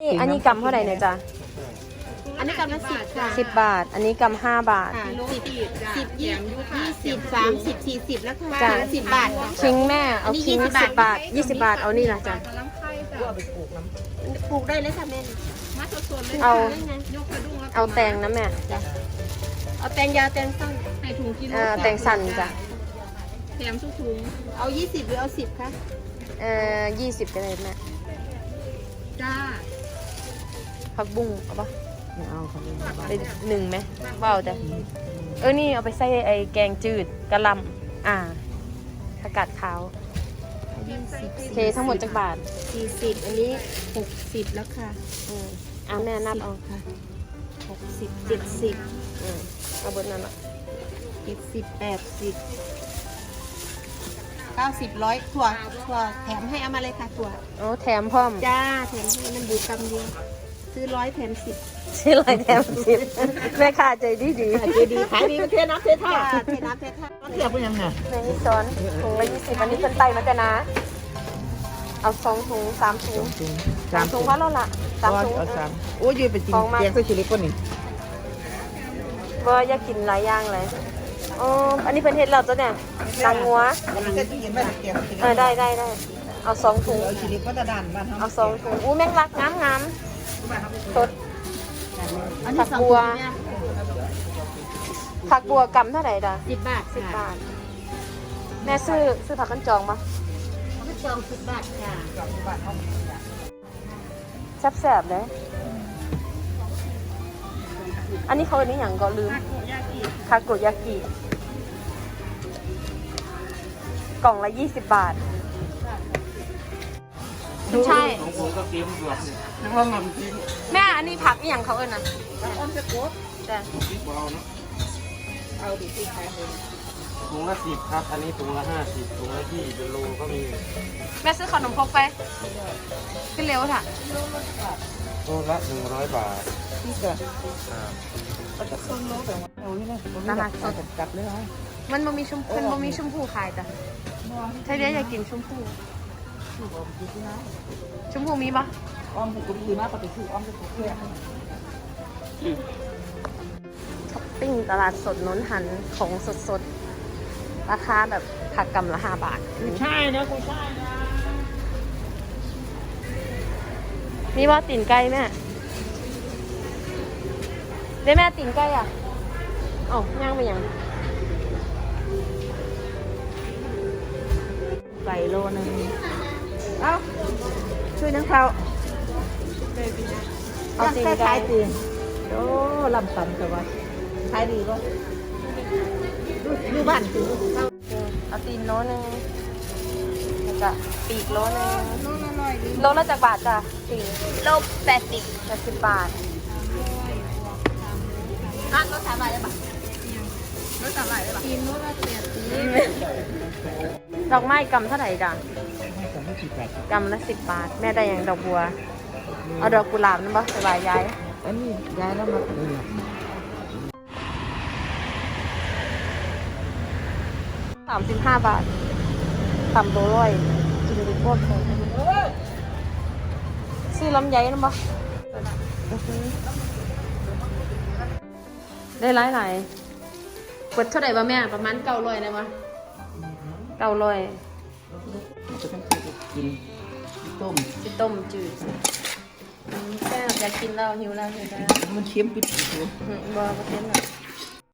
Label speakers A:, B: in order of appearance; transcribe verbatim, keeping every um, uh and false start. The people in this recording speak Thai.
A: อันนี้กำเท่าไหร่เนี่ยจ๊ะ
B: อันนี้กำละสิบค่ะ
A: สิบบาทอันนี้กำห้าบาท
B: สิบสิบยี่ยี่สิบสามสิบสี่สิบแล้วค่ะ
A: จ้ะ
B: สิบบาท
A: คิงแม่เอาคิงสิบบาทยี่สิบบาทเอานี่ละจ้ะ
B: ปลูกได้เลยค่ะแม่
A: เอาเอาแตงนะแม่
B: เอาแตงยาวแตงสั้น
C: ให้ถุงกิโล
A: เอ่อแตงสั่นจ้ะ
C: แถมทุกถุง
B: เอายี่สิบหรือเอาสิบคะ
A: เอ่อยี่สิบก็ได้แม่
C: จ้า
A: ผักบุ้งเอาปะ
D: ไม่เอาครับ
A: ไปหนึ่งไหมเปล่าจ้ะเออนี่เอาไปใส่ไอ้แกงจืดกะหล่ำอ่าผักกาดขาวโอเคทั้งหมดจากบาท
B: สี่สิบอันนี้หกสิบแล้วค่ะ
A: อืมอ่าแม่นับเอา
B: ค่ะหกสิบเจ็ดสิบ
A: อืมเอาเบิดนั่นละ
B: เจ็ดสิบแปดสิบเก้าสิบร้อยถั่วถั่วแถมให้เอามาเลยค่ะถั่ว
A: โอ้แถมพร้อม
B: จ้าแถมให้มันอยู่กำเดียวซื้อร้อยแถมสิบ
A: ชื่ออะไรแถมสิบแม่ค้าใจดีดี
D: เจดีขายดีเป็นเทน้ำเทท่า
B: จ้าเทน้ำเทท่า
D: เทียบเป็นยังไง
A: ในนี้ซ้อนถุงละยี่สิบอันนี้เป็นไตมาจ้ะนะ เอาสองถุงสามถุงสามถุงว่าแล้วล่ะสามถุง
D: เอาสามโอ้ยยืนไปกินแกงไส้ชิลิก้นนี่
A: ก็อยากกินหลายอย่างเลยอ๋ออันนี้เป็นเห็ดเราตัวเนี่ยตังงัว
D: เส้นที่เห็นว่าแกง
A: เออได้ได้ได้เอาสองถุง
D: เอาชิลิก็จะด่านบ้าน
A: เอาสองถุงอู้แมงลักงามงามสด
B: อันนี้
A: ผัก
B: สอง
A: บัว
B: ถุงเนี่ย
A: ผักบัวกำเท่าไหร่ด่ะ
B: สิบบาท
A: สิบ
B: ค่ะ
A: บาทแม่ซื้อซื้อผักกันจองปะ
B: ข้าวจองสิบบาทค่ะ
A: แสบๆเลยอันนี้เขาอันนี้อย่างก็ลืมทาโกยากิกล่องละยี่สิบบาทใช่แม่อันนี้ผักอีหยังเขาเอิ้นนะ
D: อ้อมจะโคตร
A: แต่
D: เอาดิที่ขายเลย
E: ถุงละสิบครับ อันนี้ถุงละห้าสิบถุงละยี่เป็นโลก็มี
A: แม่ซื้อขนมพกไปขึ้นเร็วค่ะ
E: โลละหนึ่งร้อยบาท
D: ที่จะเอาจะส่งโลแต่ว่าเอาที่นี่ตลาดสดกลับเลยเหรอ
A: มันบ่มีชมมันบ่มีชมพูขายจ้ะใช่เดี๋ยวอยากกินชมพูชมพูมีปะ
D: อ้อมจะกุ้งดีมากปกติอ้อมจะกุ้งเพื่อ
A: ช้อปปิ้งตลาดสดนนหันของสดๆราคาแบบผักกำละห้าบาท
D: ใช่นะกูใช่นะ
A: มีว่าตีนไก่แม่ได้แม่ตีนไก่อ่ะอ๋อย่างไปยัง
D: ไก่โลนึงเอ้าช่วยนังเขา
A: เอาตีนไก่
D: ขายตีนโอ้ลำตันแต่ว่าขายดีก็ดูบ้านถือ
A: เอาตีนโลนึงแล้วก็ปีกโลนึงโลละจากบาทจ้ะตีน
B: โลแปดสิบ
A: แปดสิบบาท
B: อ่ะรถสามบาทได้ปะ
C: รถสามหลายเลยปะกินรถละแปดสิบ
A: ดอกไม้กำเท่าไหร่จ้ะกำละสิบบาท แม่ได้อย่างดอกบัว เอาดอกกุหลาบนั่นปะสบายย้าย
D: อันนี้ย้ายแล้วมาเออ
A: สามสิบห้าบาทต่ำตัวร้อยกินดูโคตรเลยซื้อลำไยนั่นปะได้หลายหลายเปิดเท่าไหร่ปะแม่ประมาณเก้าร้อยได้ปะเก้าร้อย
D: จะต้องกินต้ม
A: จะต้มจืดแซ่บอยากกินแล้วหิวแล้วหิวแล้ว
D: มันเค็มปิดอยู่
A: อืมบอประเทศน่ะ